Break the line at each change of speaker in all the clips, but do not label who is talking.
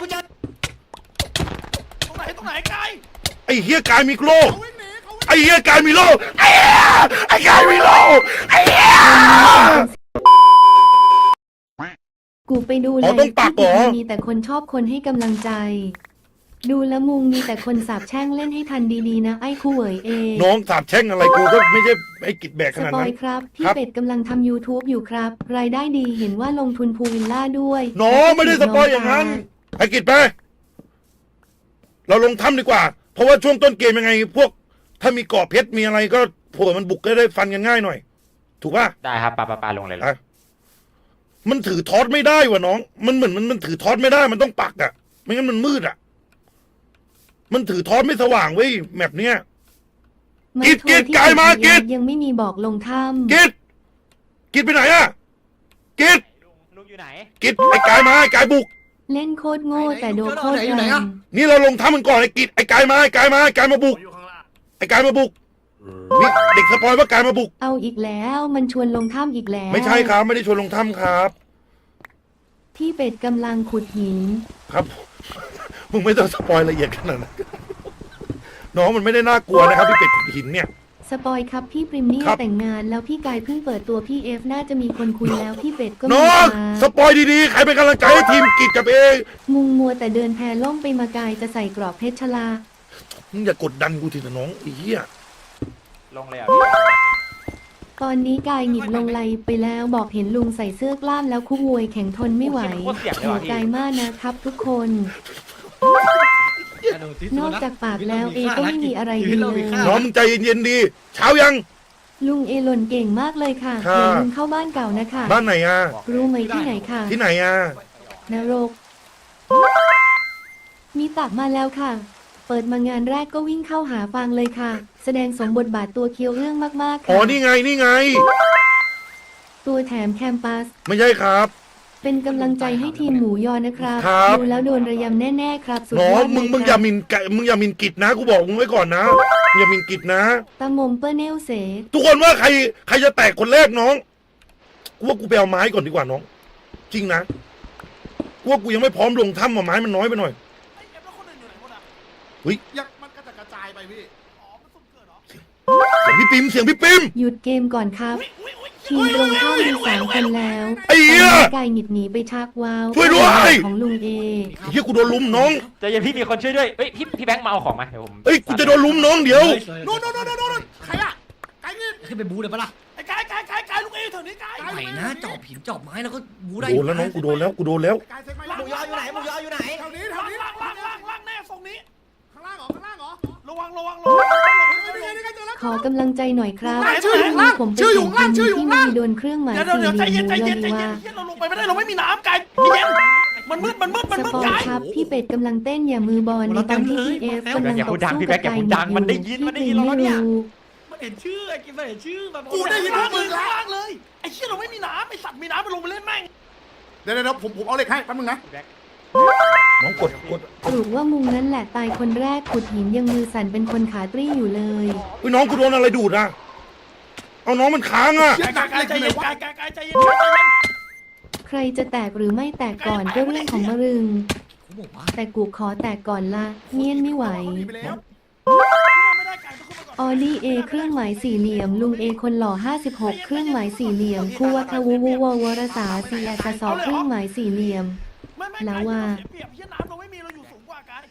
กูเจอ
ตรงไหนกาย
ไอ้เฮียกายมีโลกไอ้เฮียกายมีโลกไอ้เฮียไอ้กายมีโลกไอ้เฮีย
กูไปดูเลยมีแต่คนชอบคนให้กำลังใจดูแล้วมุงมีแต่คนสาบแช่งเล่นให้ทันดีๆนะไอ้คู่เหวยเอ
น้องสาบแช่งอะไรกูก็ไม่ใช่ไอ้กิจแบกขนาดนั้น
สปอยครับพี่เป็ดกำลังทำ YouTube อยู่ครับรายได้ดีเห็นว่าลงทุนพูลวิลล่าด้วย
น้องไม่ได้สปอยอย่างนั้นไอ้กิจไปเราลงถ้ำดีกว่าเพราะว่าช่วงต้นเกมยังไงพวกถ้ามีเกาะเพชรมีอะไรก็พวกมันบุกก็ได้ฟันกันง่ายหน่อยถูกป่ะ
ได้ครับปลาลงเลย
มันถือทอดไม่ได้วะน้องมันเหมือนมันถือทอดไม่ได้มันต้องปักอ่ะไม่งั้นมันมืดอ่ะมันถือทอดไม่สว่างเว้ยแมปเนี้ยกิดกายมากิด
ยังไม่มีบอกลงถ้ำ
กิดไปไหนอ่ะกิด
ลุงอยู่ไหน
กิดไอ้กายมาไอ้กายบุก
เล่นโคตรโง่แต่โดนโคตรแรง
นี่เราลงถ้ำมันก่อนไอ้กิดไอ้กายมาไอ้กายมาบุกไอ้กายมาบุกนี่เด็กสปอยว่ากายมาบุก
เอาอีกแล้วมันชวนลงถ้ำอีกแล้ว
ไม่ใช่ครับไม่ได้ชวนลงถ้ำครับ
พี่เป็ดกำลังขุดหิน
ครับมึงไม่ต้องสปอยละเอียดขนาดนั้นน้องมันไม่ได้น่ากลัวนะครับพี่เป็ดขุดหินเนี่ย
สปอยครับพี่ปริมนี่แต่งงานแล้วพี่กายเพิ่งเปิดตัวพี่เอฟน่าจะมีคนคุยแล้วพี่เป็ดก็
น้องสปอยดีๆใครเป็นกำลังใจให้ทีมกิจกับเอ
มุงมัวแต่เดินแพล่มไปมากายจะใส่กรอบเพชรชลา
มึงอย่ากดดันกูทีนะน้องไอ้เหี้ย
ลงเลยอ่ะ
ตอนนี้กายหงิบลงไหลไปแล้วบอกเห็นลุงใส่เสื้อกล้ามแล้วคู่มวยแข่งทนไม่ไหวหัวกายมากนะครับทุกคนนอกจากปากแล้วเอก็ไม่มีอะไรดีเลย
น้องใจเย็นๆดีเช้ายัง
ลุงเอหล่นเก่งมากเลยค่ะอย่าลืมเข้าบ้านเก่านะคะ
บ้านไหนอ่ะ
รู้ไหมที่ไหนค่ะ
ที่ไหนอ่ะ
นรกมีตักมาแล้วค่ะเปิดมางานแรกก็วิ่งเข้าหาฟางเลยค่ะแสดงสมบทบาทตัวเคียวเรื่องมากๆค่ะ
อ๋อนี่ไง
ตัวแถมแคมปัส
ไม่ใช่ครับ
เป็นกำลังใจให้ทีมหมูยอนะครับดูแล้วโดนระยำแน่ๆครับ
สุดยอดมึงอย่ามินกิจนะกูบอกมึงไว้ก่อนนะอย่ามินกิจนะ
ตามมเปอร์เนลเส
ทุกคนว่าใครจะแตกคนแรกน้องกูว่ากูไปเอาไม้ก่อนดีกว่าน้องจริงนะกูว่ากูยังไม่พร้อมลงถ้ำไม้มันน้อยไปหน่อยเฮ้ย
มันกระจายไปพี่มันสุ่มเกิดเหรอ
เสียงพี่ปิม
หยุดเกมก่อนครับทีมตรงข้ามมี3 คนแล้ว
ไอ้เหี้ย
กายหงิดหนีไปชักว้าว
ช่วยด้วย
ของลุงเอ
เฮียกูโดนลุมน้อง
ใจเย็นพี่มีคนช่วยด้วยเฮ้ยพี่แบงค์มาเอาของมาเดี๋ยวผม
กูจะโดนลุมน้องเดี๋ยว
โน่นใครอะกายเงิน
ขึ้นไปบูเลยปะล่ะ
ไอ้กายลุงเอเถอะนี่กาย
ไหนนะจอบหินจอบไม้แล้วก็บูได้
โดนแล้วน้องกูโดนแล้ว
หมูยออยู่ไหนแถวนี้ล่างแน่ทรงนี้ข้างล่างเหรอระวัง
ขอกำลังใจหน่อยครับผมเป็นคนที่ไม่โดนเครื่องหมายสี่เหลี่ยมว่า
เราลงไปไม่ได้เราไม่มีน้ำกายเย็นมันมืด
กายครับพี่เป็ดกำลังเต้นอย่ามือบอลในตอนที่พี่เอฟกำลังตบสู้กับกายอยู่
มันได้ยิน
เราเนี่ยมันเห็นชื่อไอ้กินเห็นชื่อแบบกูได้ยินมึงล่างเลยไอ้เชี่ยเราไม่มีน้ำไอ้สัตว์มีน้ำมันลงไปเล่นแม่งเดี๋ยวผมเอาเหล็กให้แป๊บนึงนะ
น้องกด
สรุปว่ามุงนั้นแหละตายคนแรกขุดหินยังมือสั่นเป็นคนขาตรี้อยู่เลย
น้องกูโดนอะไรดูดอ่ะเอาน้องมันค้างอ่ะ
ใจเย็น
ใครจะแตกหรือไม่แตกก่อนก็เรื่องของมะรึงแต่กูขอแตกก่อนละเงียนไม่ไหวออดี้เอเครื่องหมายสี่เหลี่ยมลุงเอคนหล่อ56เครื่องหมายสี่เหลี่ยมคู่วัฒวูววรสาซีแอสอเครื่องหมายสี่เหลี่ยมแล้วว่า
เปรียบเทียบน้ำเราไม่มีเราอยู่สูงกว่ากาย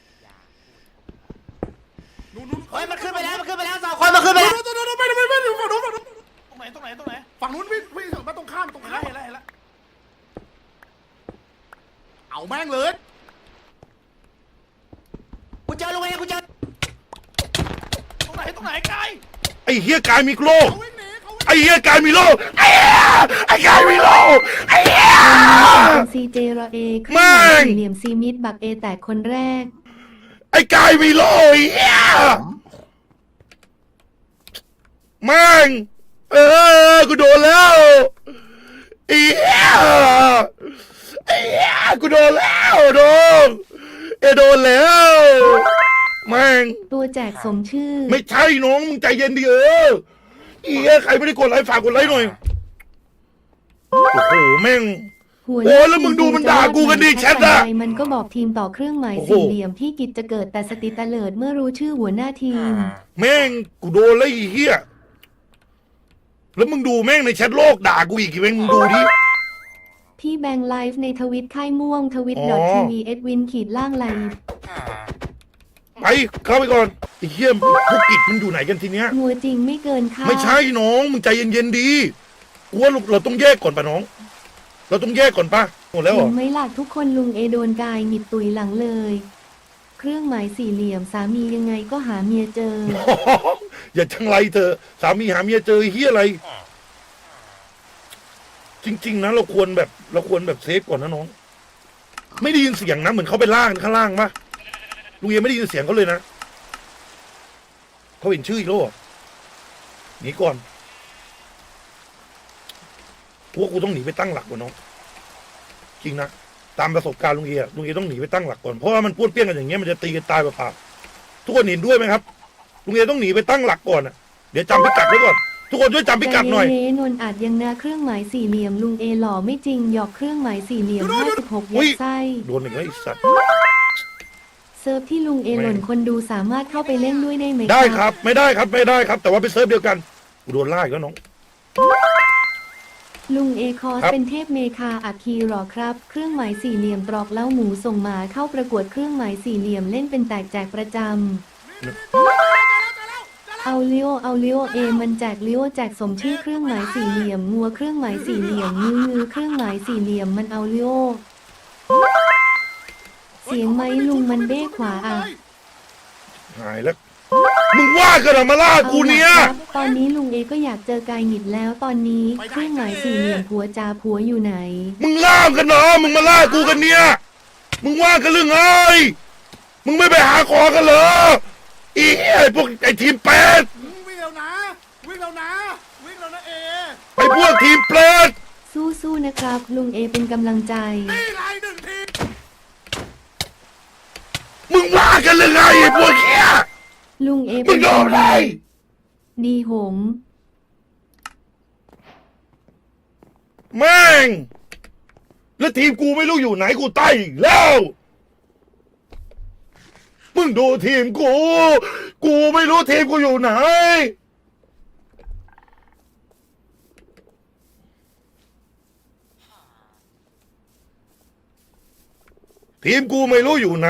เฮ้ยมันขึ้นไปแล้ว2 คนมันขึ้นไปแล้ว
ไม่ตรงไหนฝั่งนู้นพี่มาตรงข้ามเห็นแล้วเอาแม่งเลย
กูเจอลุงเอกูเจอ
ตรงไหนกาย
ไอ้เฮียกายมีโลกไอ้เฮียกายมีโลกไอ้กายมีโลกไอ้เฮีย
ซีเจรอเอเครื่องหมายสี่เหลี่ยมซีมิดบักเอแตกคนแรก
ไอ้กายมีโลกเฮียแม่งกูโดนแล้วเฮียกูโดนแล้วโดนแล้วแม่ง
ตัวแจกสมชื่อ
ไม่ใช่น้องมึงใจเย็นดิใครไม่ได้กดไลค์ฝากกดไลค์หน่อยโอ้โหแม่ง
หัวห
โอ้
น้า
แล้วมึงดูมัน
ที
ด่ากูกันดิ
จะ
แชทอะ
ไปมันก็บอกทีมต่อเครื่องหมาย
โอ้โห
สี่เหลี่ยมที่กิจจะเกิดแต่สติตะเลิดเมื่อรู้ชื่อหัวหน้าทีม
แม่งกูโดนแล้วไอ้เหี้ยแล้วมึงดูแม่งในแชทโลกด่ากูอีกแม่งมึงดูดิ
พี่แบงค์ไลฟ์ในทวิตค่ายม่วงทวิต
อ๋อ
.tv เอ็ดวินขีดล่างไลฟ์
ไปเข้าไปก่อนไอ้เหี้ยพวกกิจมันอยู่ไหนกันทีเนี้ย
งัวจริงไม่เกินค่า
ไม่ใช่น้องมึงใจเย็นๆดีกูว่าเราต้องแยกก่อนป่ะน้อง เราต้องแยกก่อนป่ะหมดแล้วเหร
เห็
อ
นไหมล่ะทุกคนลุงเอโดนกายหงิดตุยหลังเลย เครื่องหมายสี่เหลี่ยมสามียังไงก็หาเมียเจอ
อย่าจังไรเธอะสามีหาเมียเจอไอ้เฮียอะไร จริง ๆ นะเราควรแบบเซฟก่อนนะน้อง ไม่ได้ยินเสียงนะเหมือนเขาไปล่างข้างล่างปะลุงเอไม่ได้ยินเสียงเขาเลยนะเขาเห็นชื่ออีกแล้วเหรอหนีก่อนกูว่ากูต้องหนีไปตั้งหลักก่อนน้อง จริงนะตามประสบการณ์ลุงเอต้องหนีไปตั้งหลักก่อนเพราะว่ามันป้วนเปี้ยนกันอย่างเงี้ยมันจะตีกันตายเปล่าๆทุกคนเห็นด้วยไหมครับลุงเอต้องหนีไปตั้งหลักก่อนอ่ะเดี๋ยวจำพิกัดไว้ก่อนทุกคนช่วยจำพิกัดหน่อย
ใจเย็นๆนนอาจยังนะเครื่องหมายสี่เหลี่ยมลุงเอหล่อไม่จริงหยอกเครื่องหมายสี่เหลี่ยม56ยัดไส้
โดนอีกแล้วไอ้สัตว์
เซิร์ฟที่ลุงเอหล่นคนดูสามารถเข้าไปเล่นด้วยได้ไหม
ได้ครับไม่ได้ครับ แต่ว่าไปเซิร์ฟเดียวกันกูโดนล่าอีกแล้วน้อง
ลุงเอคอส
ครับ
เป็นเทพเมคาอัคคีหรอครับ เครื่องหมายสี่เหลี่ยมตรอกเล้าหมูส่งหมาเข้าประกวดเครื่องหมายสี่เหลี่ยมเล่นเป็นแตกแจกประจำเอาเลี้ยวเอมันแจกเลี้ยวแจกสมชื่อเครื่องหมายสี่เหลี่ยมงัวเครื่องหมายสี่เหลี่ยมงือเครื่องหมายสี่เหลี่ยมมันเอาเลี้ยวเสียงไหมลุงมันเบ้ขวาอ่ะ
หายแล้วมึงว่ากันเหรอมาล่ากูเนี่ย
อาล่ะครับตอนนี้ลุงเอก็อยากเจอกายหงิดแล้วตอนนี้เครื่องหมายสี่เหลี่ยมผัวจ่าผัวอยู่ไหน
มึงล่ามกันเหรอมึงมาล่ากูกันเนี่ยมึงว่ากันเรื่องไงมึงไม่ไปหาของกันเหรออีไอ้พวกไอ้ทีมแปด
วิ่งแล้วนะวิ่งแล้วนะเอ
ไอ้พวกทีมแปด
สู้ๆนะครับ ลุงเอเป็นกำลังใจ
นี่ไงหนึ่งที
มึงว่ากันเรื่องไงไอ้พวกเนี้ย
ลุงเอ
มึ
เป็
ง
น
โดนอะไร
ดีหง
แม่งแล้วทีมกูไม่รู้อยู่ไหนกูใต้อีกแล้วมึงดูทีมกูไม่รู้ทีมกูอยู่ไหนทีมกูไม่รู้อยู่ไหน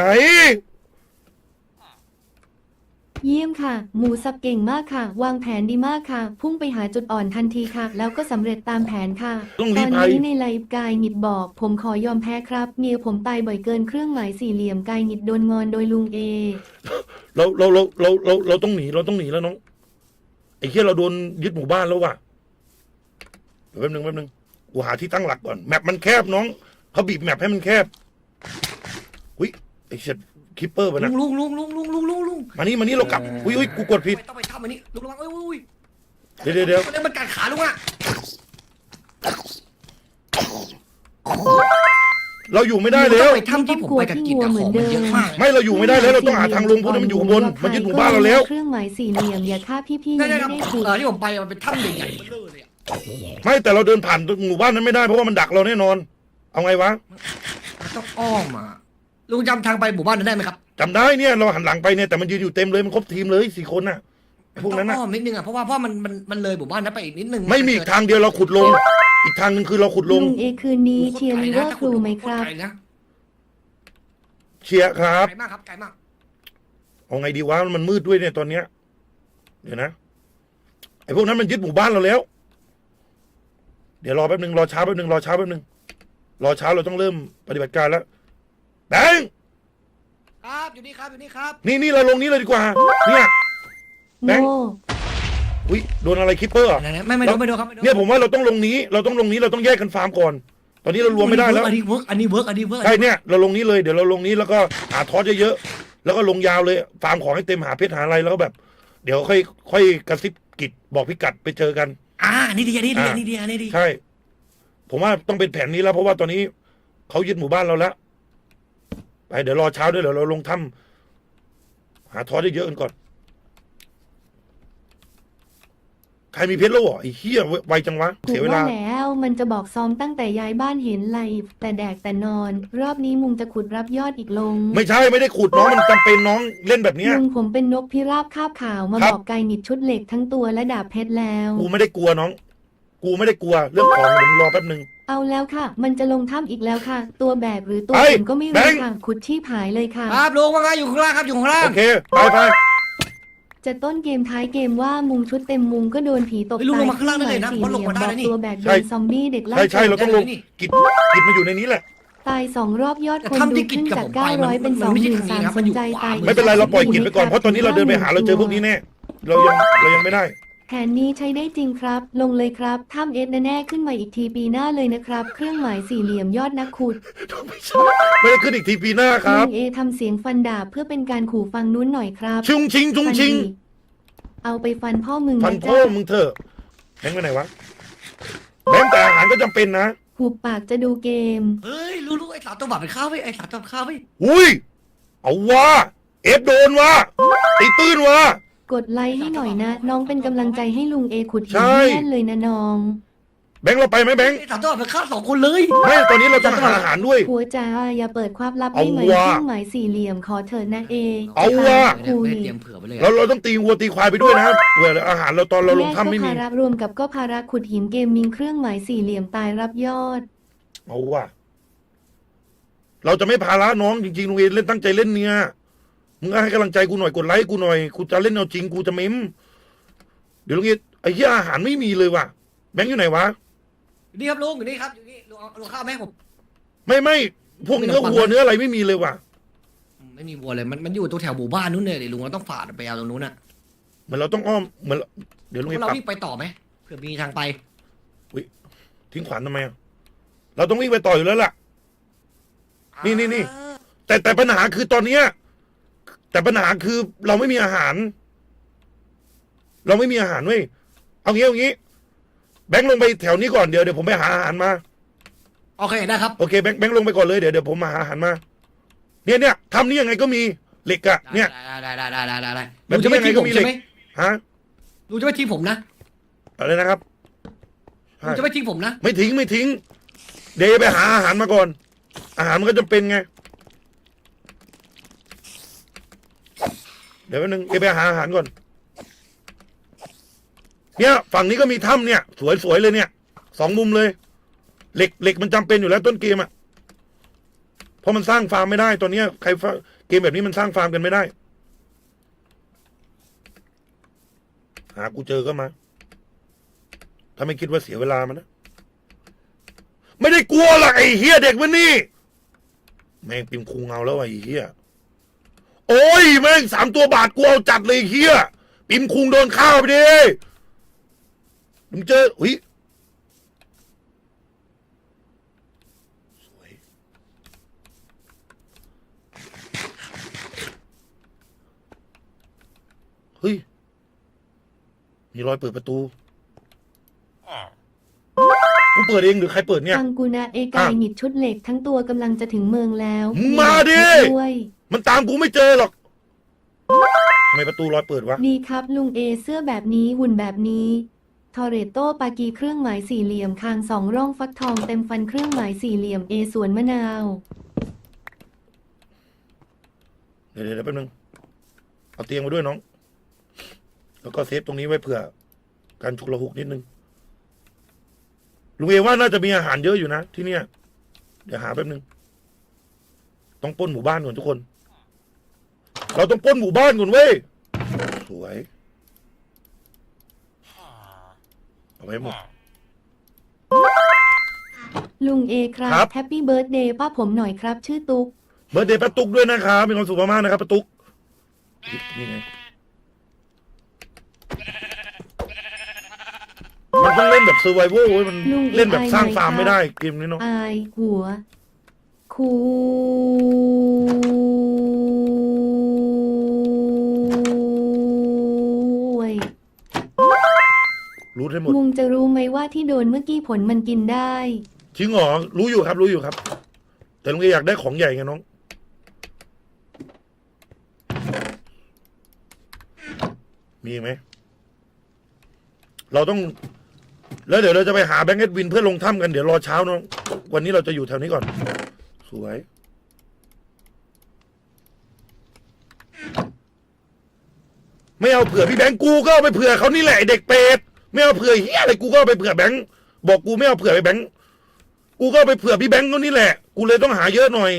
เยี่ยมค่ะ หมูสับเก่งมากค่ะ วางแผนดีมากค่ะ พุ่งไปหาจุดอ่อนทันทีค่ะ แล้วก็สำเร็จตามแผนค่ะ
ต้อง
ต
รี
อบ น
ไป
นี้ในไลฟ์กายหงิดบอก ผมขอยอมแพ้ครับเมียผมตายบ่อยเกินเครื่องหมายสี่เหลี่ยมกายหงิดโดนงอนโดยลุงเอ
เราต้องหนีแล้วน้องไอ้เหี้ยเราโดนยึดหมู่บ้านแล้วว่ะเดี๋ยวแป๊บนึงกูหาที่ตั้งหลักก่อนแมปมันแคบน้องเขาบีบแมปให้มันแคบอุ้ยไอ้เช็ดคิปเปอร์ป่ะนะ
ลุง
มานี่เรากลับอุ้ยกูกดผิด
ไม่ต้องไปทำอันนี้ลุงระวังอุ้ย
เดี๋ยว
มันกัดขาลุงอ่ะ
เราอยู่ไม่ได้แล้ว
ไปทำที่ผมไปกับกิจของมันเยอะมาก
ไม่เราอยู่ไม่ได้แล้วเราต้องหาทางลงเพราะมันอยู่ข้างบนมันยึดหมู่บ้านเราแล้ว
เครื่องหมายสี่เหลี่ยมอย่าฆ่าพี่ๆ
ได้
ยัง
ครับ
ไม่ได้ขุด
ที่ผมไปมันเป็นถ้ำใหญ่ๆเบลอเลยอ่ะ
ไม่แต่เราเดินผ่านหมู่บ้านนั้นไม่ได้เพราะว่ามันดักเราแน่นอน เอาไงวะ
มันต้องอ้อมอ่ะลุงจำทางไปหมู่บ้านนั้นได้ไหมครับ
จำได้เนี่ยเราหันหลังไปเนี่ยแต่มันยืนอยู่เต็มเลยมันครบทีมเลย4 คนน่ะไอ้พวกนั้น
ต้
น่ะ
องอ้อมนิดนึงอ่ะเพราะว่ามันเลยหมู่บ้านนั้นไปอีกนิดนึง
ไม่มีอีกทางเดียวเราขุดลง อีกทางหนึ่งคือเราขุดล
ลุ
ง
งเอคืนนี้เชียร์ลิเวอร์พูลไหมครับ
ไกลนะ
เชียร์ครับ
ไกลมากครับไกลมาก
เอาไงดีวะมันมืดด้วยเนี่ยตอนเนี้ยเดี๋ยวนะไอ้พวกนั้นมันยึดหมู่บ้านเราแล้ว เดี๋ยวรอแป๊บนึงรอช้าแป๊บนึงรอช้าเราต้องเริ่มปฏิบัติการแล้วแบงค์
ครับอยู่นี่ครับ
นี่เราลงนี้เลยดีกว่าเนี่ย แบงค์
โง่
อุ้ยโดนอะไรคิปเปอร์อะ
ไม่โดนครับ
เนี่ยผมว่าเราต้องลงนี้เราต้องแยกกันฟาร์มก่อน ตอนนี้เรารวมไม่ได้แล้ว
อันนี้เวิร์ก
ใช่เนี่ยเราลงนี้เลยเดี๋ยวเราลงนี้แล้วก็หาทอสเยอะๆแล้วก็ลงยาวเลยฟาร์มของให้เต็มหาเพชรหาอะไรแล้วก็แบบ เดี๋ยวค่อยกระซิบกิจบอกพิกัดไปเจอกัน
นี่ดี
ใช่ ผมว่าต้องเป็นแผนนี้แล้วเพราะว่าตอนนี้เขายึดหมู่บ้านเราแล้วไปเดี๋ยวรอเช้าด้วยเดี๋ยวเราลงถ้ำหาทอสเยอะๆกันก่อนใครมีเพชรแล้วเหรอไอ้เหี้ยไวจังวะเสียเวลา
แล้วมันจะบอกซ้อมตั้งแต่ย้ายบ้านเห็นไลฟ์แต่แดกแต่นอน รอบนี้มุงจะขุดรับยอดอีกลง
ไม่ใช่ไม่ได้ขุดน้องมันจำเป็นน้องเล่นแบบเนี้ย
ลุงผมเป็นนกพิราบคาบขาวมา
ครับ
บอกไก่หนิดชุดเหล็กทั้งตัวและดาบเพชรแล้ว
กูไม่ได้กลัวน้อง กูไม่ได้กลัวเรื่องของเดี๋ยวมึงรอแป๊บนึง
เอาแล้วค่ะ มันจะลงถ้ำอีกแล้วค่ะ ตัวแบกหรือตัว
ไป
ขุนก็ไม่
แบ
รู้
งค์
ค่ะ ขุดชีพหายเลยค่ะ
ครับลุงว่าไงอยู่ข้างล่างครับอยู่ข้างล่าง
โอเคไปไป
จะต้นเกมท้ายเกมว่ามุงชุดเต็มมุงก็โดนผีตบ
เฮ้ยลุง
ตาย
ลงมาข้างล่างได้เลยนะ
สี่
เพราะลง
เหลี่ยม
มาได้
บอก
แล้วนี่
ตัวแบกโดนซอมบี้เด็กไล่
ใช่ใช่เราต้องลง
ได้เลยนี่
กิจมาอยู่ในนี้แหละ
ตาย2 รอบยอดคน
แต่ถ้ำ
ดู
ที่กิ
ขึ้
จ
น
กับ
จาก
ผมไปมัน
900เป็น
มันไม่ใช่ทางนี้ครับ
23,000
มันอยู่
สนใจ
ขวา
ตาย
ไม่เป็นไรเราปล่อยกิจไปก่อนเพราะตอนนี้เราเดินไปหาเราเจอพวกนี้แน่เรายังไม่ได้
แผนนี้ใช้ได้จริงครับ ลงเลยครับถ้ำเอสแน่ๆขึ้นมาอีกทีปีหน้าเลยนะครับ เครื่องหมายสี่เหลี่ยมยอดนักขุด
ไม่ได้ขึ้นอีกทีปีหน้าค
ลุ
รับ
งเอทำเสียงฟันดาบเพื่อเป็นการขู่ฟังนู้นหน่อยครับ
ชุงชิงชุงชิง
ฟันดิเอาไปฟันพ่อมึง
ฟัน
นะ
พ่อ
จ๊ะ
มึงเถอะแบงค์ไปไหนวะแบงค์แต่อาหารก็จำเป็นนะ
หุบปากจะดูเกม
เฮ้ยรู้ไอ้สามตัวบัตรเป็นข้าวไปไอ้สามตัวข้าวไป
อุ้ยเอาว่าเอฟโดนว่าตีตื้นว่า
กดไลค์ให้หน่อยนะ น้องเป็นกำลังใจให้ลุงเอขุดหิ
ใช่
นแน่นเลยนะน้อง
แบงค์เราไปไหมแบงค์
ไอ้สามตัวบัตรเป็นข้าว2 คนเลย
ไม่ตอนนี้เราต้องหาอาหารด้วย
หัวจ้าอย่าเปิดความลับ
เอา
ให้ไหม
ว่ะ
เครื่องหมายสี่เหลี่ยมขอเถิดนะเอ
เอาว่ะ
คุ
ไม่
ย
ได้เตรียมเผื่อไปเลย
เราต้องตีวัวตีควายไปด้วยนะเผื่ออาหารเราตอนเราลงถ้ำไม่มี
แยกก็ภาระรวมกับก็ภาระขุดหินเกมมิงเครื่องหมายสี่เหลี่ยมตายรับยอด
เอาว่ะเราจะไม่พาละน้องจริงๆลุงเอเล่นตั้งใจเล่นเนี่ยมึงก็ให้กำลังใจกูหน่อยกดไลค์กูหน่อยกูจะเล่นเอาจริงกูจะเม้มเดี๋ยวลุงเอไอ้เหี้ยอาหารไม่มีเลยว่ะแบงค์อยู่ไหนวะ
อยู่นี่ครับลุงอยู่นี่ครับอยู่นี่ลุงเอาข้าวแม่ผม
ไม่พวกเนื้อวัวเนื้ออะไรไม่มีเลยว่ะ
ไม่มีวัวเลยมันอยู่ตรงแถวหมู่บ้านนู้นเลยดิลุงเราต้องฝ่าไปเอาตรงนู้นน่ะ
เหมือนเราต้องอ้อมเหมือนเดี๋ยวลุงเอ
เรา
ปรับ
วิ่งไปต่อไหมเผื่อมีทางไป
ทิ้งขวานทำไมอะเราต้องวิ่งไปต่ออยู่แล้วล่ะ นี่ แต่ปัญหาคือตอนเนี้ยแต่ปัญหาคือเราไม่มีอาหาร เราไม่มีอาหารเว้ยเอางี้แบงค์ลงไปแถวนี้ก่อนเดี๋ยวผมไปหาอาหารมา
โอเคได้ครับ
โอเคแบงค์ลงไปก่อนเลยเดี๋ยวผมมาหาอาหารมาเนี่ยทำนี่ยังไงก็มีเหล็กอะเนี่ย
ได้
แบบ
ลุงจะไม่
นี้
ทิ้ง
ยังไงก็
ผม
มี
ใช่ไหม
ฮะ
ลุงจะไม่ทิ้งผมนะ
อะไรนะครับ
ลุงจะไม่ทิ้งผมนะ
ไม่ทิ้งเดี๋ยวไปหาอาหารมาก่อน อาหารมันก็จำเป็นไงเดี๋ยวแป๊บนึงไปหาอาหารก่อนเนี่ยฝั่งนี้ก็มีถ้ำเนี่ยสวยเลยเนี่ย2 มุมเลย เหล็กมันจำเป็นอยู่แล้วต้นเกมอ่ะเพราะมันสร้างฟาร์มไม่ได้ตอนเนี้ยใครเกมแบบนี้มันสร้างฟาร์มกันไม่ได้หากูเจอก็มาถ้าไม่คิดว่าเสียเวลามันนะไม่ได้กลัวหรอกไอ้เฮียเด็กมันนี่แม่งปิมคุงเอาแล้วไอ้เฮียโอ้ยแม่ง3 ตัวบาทกูเอาจัดเลยเฮียปิมคุงโดนข้าวไปดิมึงเจออุ้ยสวยเฮ้ยมีรอยเปิดประตูกูเปิดเองหรือใครเปิดเนี่ย
ฟังกูนะเอกายหงิดชุดเหล็กทั้งตัวกำลังจะถึงเมืองแล้ว
มึงมาดิ
ด้วย
มันตามกูไม่เจอหรอกทำไมประตูรอยเปิดวะ
ดีครับลุงเอเสื้อแบบนี้หุ่นแบบนี้ทอเรโตปากีเครื่องหมายสี่เหลี่ยมคาง2 ร่องฟักทองเต็มฟันเครื่องหมายสี่เหลี่ยมเอสวนมะนาว
เดี๋ยวแป๊บนึงเอาเตียงมาด้วยน้อง แล้วก็เซฟตรงนี้ไว้เผื่อการฉุกละหุกนิดนึงลุงเอว่าน่าจะมีอาหารเยอะอยู่นะที่เนี่ยเดี๋ยวหาแป๊บนึงต้องปล้นหมู่บ้านก่อนทุกคน เราต้องปล้นหมู่บ้านก่อนเว้ยสวยเอาไว้หมด
ลุงเอครั
ครับ บ
แฮปปี้เบิร์ดเดย์ป้าผมหน่อยครับ ชื่อตุ๊ก
เบิร์ดเดย์ป้าตุ๊กด้วยนะครับมีความสุขมากๆนะครับป้าตุ๊กนี่ไงมันต้องเล่นแบบเซอร์ไวโวเว้ยมันเล่นแบบสร้างฟาร์มไม่ได้เกมนี้เนาะ
อายหัว คุย
รู้ให้หมด
มุงจะรู้ไหมว่าที่โดนเมื่อกี้ผลมันกินได้
จริงเหรอรู้อยู่ครับรู้อยู่ครับ แต่ลุงเออยากได้ของใหญ่ไงน้องมีไหมเราต้องแล้วเดี๋ยวเราจะไปหาแบงค์เอ็ดวินเพื่อลงถ้ำกันเดี๋ยวรอเช้าน้องวันนี้เราจะอยู่แถวนี้ก่อนสวยไม่เอาเผื่อพี่แบงค์กูก็เอาไปเผื่อเขานี่แหละไอ้เด็กเป็ดไม่เอาเผื่อเฮียอะไรกูก็เอาไปเผื่อแบงค์บอกกูไม่เอาเผื่อไปแบงค์กูก็เอาไปเผื่อพี่แบงค์เขานี่แหละกูเลยต้องหาเยอะหน่อย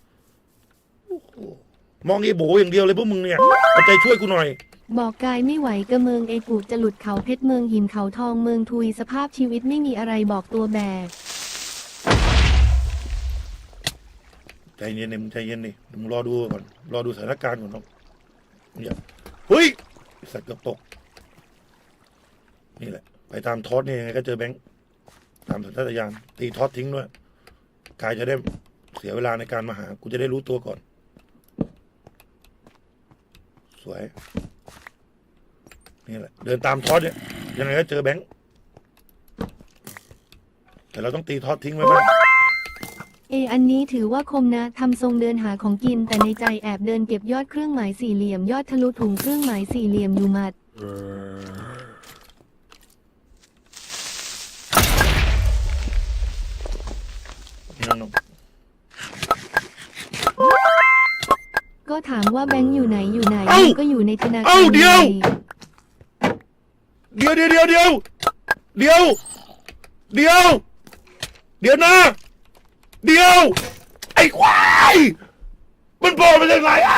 มองไอ้โบอย่างเดียวเลยพวกมึงเนี่ยเอาใจช่วยกูหน่อย
บอกกายไม่ไหวกระเมืองเอกูจะหลุดเขาเพชรเมืองหินเขาทองเมืองทุยสภาพชีวิตไม่มีอะไรบอกตัวแบก
ใจเย็นดิมึงใจเย็นดิมึงรอดูก่อนรอดูสถานการณ์ก่อนน้องอย่าเฮ้ยสัตว์เกือบตกนี่แหละไปตามทอสนี่ยังไงก็เจอแบงค์ตามสัญชาตญาณตีทอสทิ้งด้วยกายจะได้เสียเวลาในการมาหากูจะได้รู้ตัวก่อนสวยนี่แหละเดินตามทอสเนี่ยยังไงก็เจอแบงค์แต่เราต้องตีทอสทิ้งไว้บ้าง
อันนี้ถือว่าคมนะทำทรงเดินหาของกินแต่ในใจแอบเดินเก็บยอดเครื่องหมายสี่เหลี่ยมยอดทะลุถุงเครื่องหมายสี่เหลี่ยมอยู่หมัด
นี่น้อง
ก็ถามว่าแบงค์อยู่ไหนอยู่ไหน
เอ้า
ก็อยู่ในธนาคาร
เอ้าเดี๋ยว
ไง
เดี๋ยวนะเดี๋ยวไอ้ควายมันโผล่มาจากไหนอ่ะ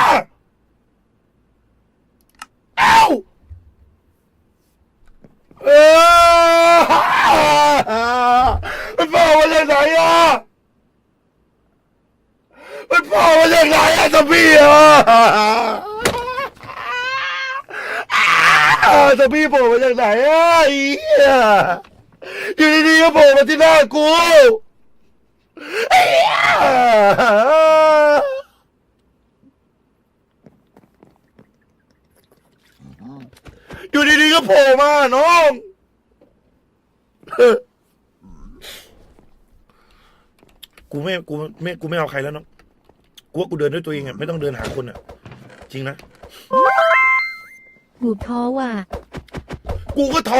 เอ้ามันโผล่มาจากไหนอ่ะมันโผล่มาจากไหนอ่ะสพี่อ่ะสพี่โผล่มาจากไหนอ่ะไอ้เหี้ยอยู่ดีๆก็โผล่มาที่หน้ากูอยู่ดีๆก็โผล่มาน้องกูไม่เอาใครแล้วน้องกูว่ากูเดินด้วยตัวเองอ่ะไม่ต้องเดินหาคนอ่ะจริงนะ
หูท้อว่ะ
กูก็ท้อ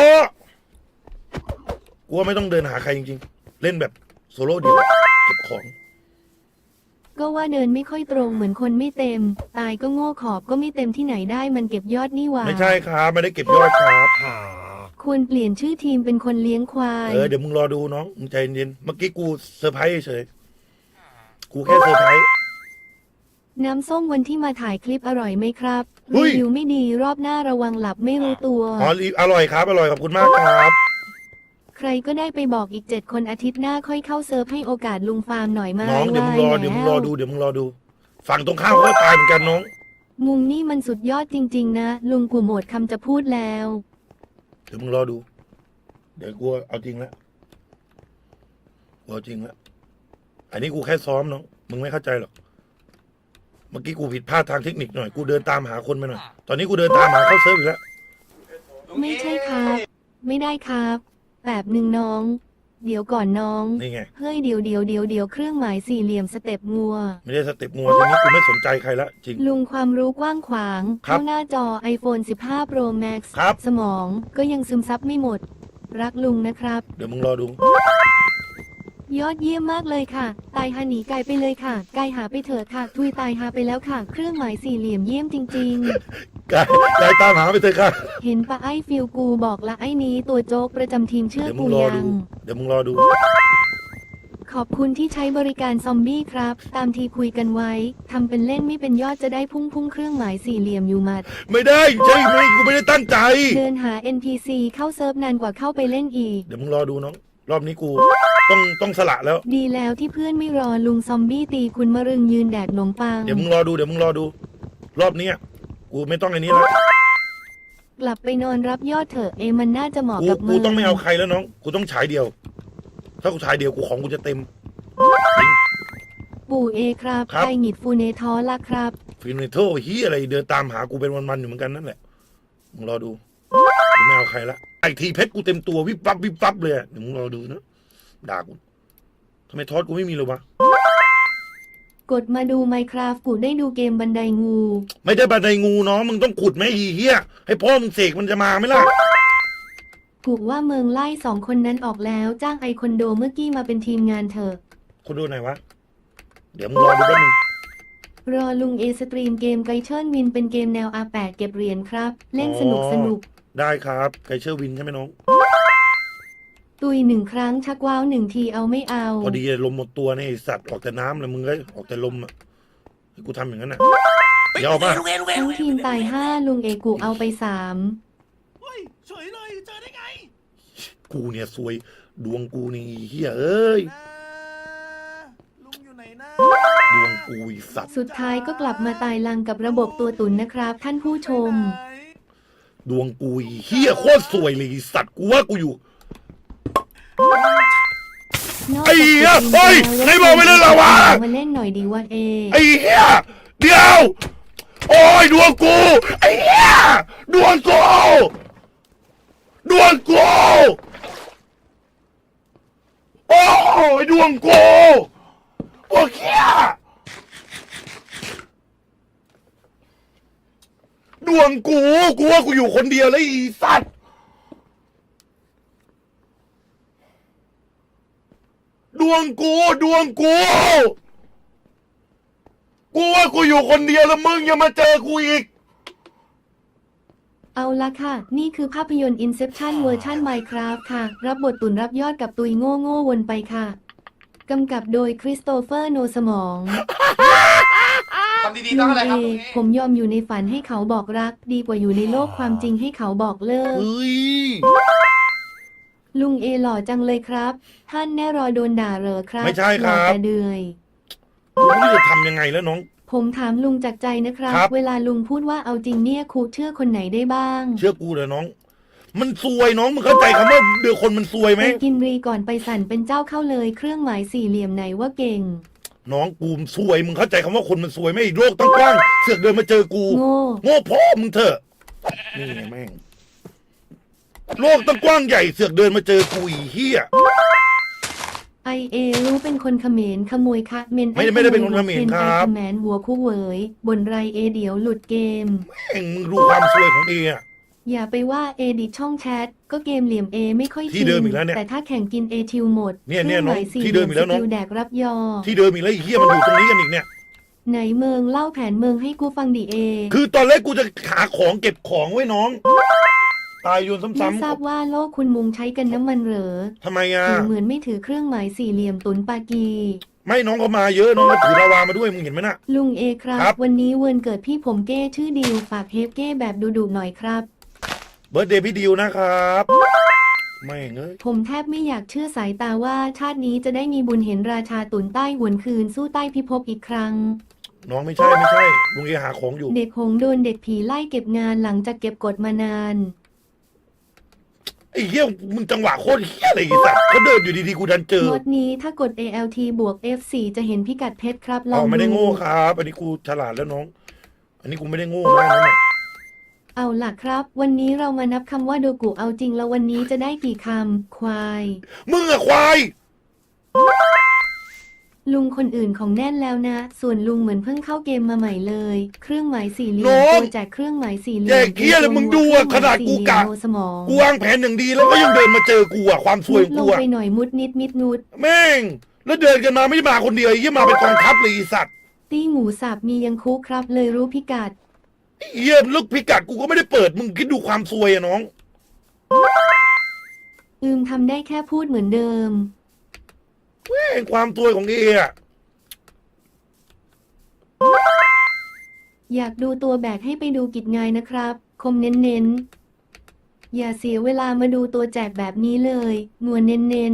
กูว่าไม่ต้องเดินหาใครจริงๆเล่นแบบโซโล่เดียวเก็บของ
ก็ว่าเดินไม่ค่อยตรงเหมือนคนไม่เต็ม ตายก็โง่ขอบก็ไม่เต็มที่ไหนได้มันเก็บยอดนี่หว่า
ไม่ใช่ครับไม่ได้เก็บยอดครับ
ควรเปลี่ยนชื่อทีมเป็นคนเลี้ยงควาย
เดี๋ยวมึงรอดูน้องมึงใจเย็นเมื่อกี้กูเซอร์ไพรส์เฉยกูแค่เซอร์ไพรส์
น้ำส้มวันที่มาถ่ายคลิปอร่อยไหมครับ
เฮ้
รี
ย
วิวไม่ดีรอบหน้าระวังหลับไม่รู้ตัว
อ๋ออร่อยครับอร่อยขอบคุณมากครับ
ใครก็ได้ไปบอกอีก7 คนอาทิตย์หน้าค่อยเข้าเซิร์ฟให้โอกาสลุงฟาร์มหน่อยมา
น้องเดี๋ยวมึงรอ
ไว้
เดี๋ยวมึง
แล้
รอดูเดี๋ยวมึงรอดูฝั่งตรงข้ามเขาก็ตายเหมือนกันน้อง
มุงนี่มันสุดยอดจริงๆนะ ลุงกูหมดคำจะพูดแล้ว
เดี๋ยวมึงรอดู เดี๋ยวกูเอาจริงแล้วกูเอาจริงแล้วอันนี้กูแค่ซ้อมน้องมึงไม่เข้าใจหรอกเมื่อกี้กูผิดพลาดทางเทคนิคหน่อยกูเดินตามหาคนไปหน่อยตอนนี้กูเดินตามหาเข้าเซิร์ฟอีกแล้ว
ไม่ใช่ครับ ไม่ได้ครับแบบหนึ่งน้อง เดี๋ยวก่อนน้อง
นี่ไง
เฮ้ยเดี๋ยวเครื่องหมายสี่เหลี่ยมสเต็ปงัว
ไม่ได้สเต็ปงัวทีนี้กูไม่สนใจใครละจริง
ลุงความรู้กว้างขวาง
ครับ
เข้าหน้าจอ iPhone 15 Pro Max
ครับ
สมองก็ยังซึมซับไม่หมด รักลุงนะครับ
เดี๋ยวมึงรอดู
ยอดเยี่ยมมากเลยค่ะ ตายหาหนีไกลไปเลยค่ะ ไกลหาไปเถิดค่ะ ทุยตายหาไปแล้วค่ะ เครื่องหมายสี่เหลี่ยมเยี่ยมจริง
กายตามหาไปเถอะค่ะ
ๆ เห็นปะไอ้ฟิลกูบอกละไอ้นี้ตัวโจ๊กประจำทีมเชื่อ
เดี๋ยวมึ
กู
งรอ
ยั
ดู
ง
เดี๋ยวมึงรอดู
ขอบคุณที่ใช้บริการซอมบี้ครับ ตามที่คุยกันไว้ทำเป็นเล่นไม่เป็นยอดจะได้พุ่งเครื่องหมายสี่เหลี่ยมอยู่หมัด
ไม่ได้ใช่ไหมกูไม่ได้ตั้งใจ
เดินหา NPC เข้าเซิร์ฟนานกว่าเข้าไปเล่นอีก
เดี๋ยวมึงรอดูน้อง รอบนี้กูต้องสละแล้ว
ดีแล้วที่เพื่อนไม่รอลุงซอมบี้ตีคุณมะรึงยืนแดกขนมปัง
เดี๋ยวมึงรอดูเดี๋ยวมึงรอดู รอบเนี้ยกูไม่ต้องไอ้นี้แล้ว
กลับไปนอนรับยอดเถอะมันน่าจะเหมาะ
กู
กับมึ
กู
ง
ต้องไม่เอาใครแล้วน้อง กูต้องฉายเดียว ถ้ากูฉายเดียวกูของกูจะเต็มจริง
ปู่ครับ
ครับ
ไอหงิดฟูเนทอละครับ
ฟินเนโทฮียอะไรเดินตามหากูเป็นวันๆอยู่เหมือนกันนั่นแหละมึงรอดูกูไม่เอาใครละไอทีเพชรกูเต็มตัววิบวับเลยอะเดี๋ยวมึงรอดูนะด่ากูทำไมทอดกูไม่มีเลยวะ
กดมาดู Minecraft กูได้ดูเกมบันไดงู
ไม่ได้บันไดงูน้องมึงต้องขุดไหมอีเฮียให้พ่อมึงเสกมันจะมาไหมล่ะ
กูว่าเมืองไล่สองคนนั้นออกแล้วจ้างไอคอนโดเมื่อกี้มาเป็นทีมงานเถอะ
คุณดูไหนอยวะ เดี๋ยวมึงรอดูแป๊บนึง
รอลุงเอสตรีมเกมไกเชิญวินเป็นเกมแนว R8 เก็บเหรียญครับ เล่นสนุก
ได้ครับไกเชอร์วินใช่ไหมน้อง
ตุย1 ครั้งชักว้าว1 ทีเอาไม่เอา
พอดีลมหมดตัวเนี่ยไอ้สัตว์ออกแต่น้ำเลยมึงก็ออกแต่ลมอ่ะให้กูทำอย่างนั้นอ่ะเดี๋ยวเอาป่ะ
ลุงเอลุงเอ
ทั้งทีมตาย 5 ลุงเอกูเอาไป
เฮ้ยเฉยเลยเจอได้ไง
กูเนี่ยซวยดวงกูนี่เฮียเอ้ย
ลุงอยู่ไหนนะ
ดวงกูไอ้สัตว์
3 สุดท้ายก็กลับมาตายลังกับระบบตัวตุนนะครับ ท่านผู้ชม
ดวงกูไอ้เฮียโคตรซวยเลยไอ้สัตว์กูว่ากูอยู่ ไอ้เหี้ยเฮ้ยไหนบอกไม่เล่นลาวา
มาเล่นหน่อยดีว่าเอ
ไอ้เฮียเดี๋ยวโอ้ยดวงกูไอ้เฮียดวงกูดวงกูโอ้ยดวงกูโอ้เฮียดวงกูว่ากูอยู่คนเดียวแล้วอีสัตว์ดวงกูว่ากูอยู่คนเดียวแล้วมึงยังมาเจอกูอีก
เอาละค่ะ นี่คือภาพยนตร์ Inception เวอร์ชัน Minecraft ค่ะ รับบทตุนรับยอดกับตุยโง่วนไปค่ะ กำกับโดยคริสโตเฟอร์โนสมอง
ทำดีๆต้องอะไรครับ
ลุงผมยอมอยู่ในฝันให้เขาบอกรัก ดีกว่าอยู่ในโลกความจริงให้เขาบอกเลิก
เฮ้ย
ลุงเอหล่อจังเลยครับ ท่านแน่รอโดนด่าเหรอครับ
ไม่ใช่ครับ
หล่อแต่เดือย
กูไม่รู้จะทำยังไงแล้วน้อง
ผมถามลุงจากใจนะครับ
ครับ
เวลาลุงพูดว่าเอาจริงเนี่ยครูเชื่อคนไหนได้บ้าง
เชื่อกูเถอะน้อง มันซวยน้องมึงเข้าใจคำว่าเดือคนมันซวยไหม
ไปกินรีก่อนไปสั่นเป็นเจ้าเข้าเลยเครื่องหมายสี่เหลี่ยมไหนว่าเก่ง
น้องกูซวยมึงเข้าใจคำว่าคนมันซวยไหมไอ้โลกตั้งกว้างเสือกเดินมาเจอกู
โง่
โง่พ่อมึงเถอะนี่ไงแม่งโลกตั้งกว้างใหญ่เสือกเดินมาเจอกูอีเหี้ย
ไอเอรู้เป็นคนเขมรขโมยคะเมน
ไม่ได้เป็นคนเขมรครับ
ไอเขมรหัวคู่เหวยบนไรเอเดี๋ยวหลุดเกม
แม่งมึงรู้ความซวยของเออะ
อย่าไปว่าเอดิช่องแชทก็เกมเหลี่ยมเอไม่ค่อย
ที่เดิมอีกแล้วเนี่ย
แต่ถ้าแข่งกินเอทิวหมด
เนี่ย
ครื่องห
น้อง
มายสี่
ที่เดิมอีกแล้วน้อง
สกิลแดกรับยอ
ที่เดิมอีกแล้วไอ้เหี้ยมันอยู่ตรงนี้กันอีกเนี่ย
ไหนเมืองเล่าแผนเมืองให้กูฟังดิเอ
คือตอนแรกกูจะหาของเก็บของไว้น้อง ตายโยน
ไม่
ซ้ำ
ทราบว่าโลกคุณมุงใช้กันน้ำมันเหรอ
ๆทำไมอ่ะ
ถือเหมือนไม่ถือเครื่องหมายสี่เหลี่ยมตุนปากี
ไม่น้องเขามาเยอะน้องก็ถือลาวามาด้วยมึงเห็นไหมน่ะ
ลุงเอครับ
ครับ
วันนี้วันเกิดพี่ผมเก้ชื่อดิวฝากเฮฟเก้แบบดุๆหน่อยครับ
เบิร์ดเดย์พี่ดิวนะครับไม่งเอ้ย
ผมแทบไม่อยากเชื่อสายตาว่าชาตินี้จะได้มีบุญเห็นราชาตุนใต้หวนคืนสู้ใต้พิภพอีกครั้ง
น้องไม่ใช่ลุงเอหาของอยู่
เด็กหงส์โดนเด็กผีไล่เก็บงานหลังจากเก็บกดมานาน
ไอ้เหี้ยมึงจังหวะโคตรเหี้ยอะไรอีสัตว์เขาเดินอยู่ดีๆกูดันเจอ
มดนี้ถ้ากด ALT บวก F4 จะเห็นพิกัดเพชรครับลอ
อ๋
ง
อไม่ได้
ดู
โง่ครับ อันนี้กูฉลาดแล้วน้อง อันนี้กูไม่ได้โง่นะนั่นน่ะ
เอาล่ะครับ วันนี้เรามานับคำว่าโดกุเอาจริงแล้ววันนี้จะได้กี่คำควาย
มึงอะควาย
ลุงคนอื่นของแน่นแล้วนะ ส่วนลุงเหมือนเพิ่งเข้าเกมมาใหม่เลย เครื่องหมายสี่เหลี่ยม
น้อง
ตัวแจกเครื่องหมายสี่เหลี่
แจ
ยม
กเหี้ยเลยมึงดูอะขนาดกูกะ
เครื่องหมายสี่เหลี่ยมโนสมอง
กูวางแผนอย่างดีแล้วก็ยังเดินมาเจอกูอะความซวยของ
ล
กู
ง
อะ
ไปหน่อยมุดนิดมิดนุด
แม่ง แล้วเดินกันมาไม่ได้มาคนเดียวไอ้เหี้ยมาเป็นกองทัพเลยไอ้สัตว์
ตี้หมูสับมียังคุกครับ เลยรู้พิกัด
ไอ้เหี้ยลูกพิกัดกูก็ไม่ได้เปิดมึงคิดดูความซวยอะน้อง
ทำได้แค่พูดเหมือนเดิม
แม่งความซวยของเออะ
อยากดูตัวแบกให้ไปดูกิจงายนะครับ คมเน้นๆ อย่าเสียเวลามาดูตัวแจกแบบนี้เลยนัวเน้น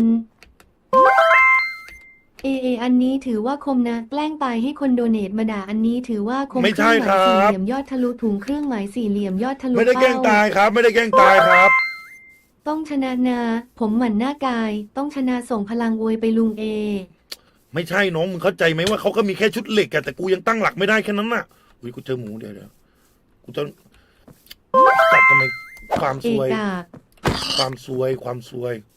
ๆ อันนี้ถือว่าคมนะ แกล้งตายให้คนโดเนทมาด่าอันนี้ถือว่าคม
ไม่ใช่
เครื่องหมายสี่
ครับ
เหลี่ยมยอดทะลุถุงเครื่องหมายสี่เหลี่ยมยอดทะลุ
ไม่ได้แกล้ง
เป้า
ตายครับ ไม่ได้แกล้งตายครับ
ต้องชนะนะ ผมหมั่นหน้ากาย ต้องชนะส่งพลังอวยไปลุงเอ
ไม่ใช่น้องมึงเข้าใจไหมว่าเขาก็มีแค่ชุดเหล็กอะแต่กูยังตั้งหลักไม่ได้แค่นั้นน่ะอุ้ยกูเจอหมูเดี๋ยวกูจะสัตว์ทำไมความ
เอ
ซวย
กาก
ความซวย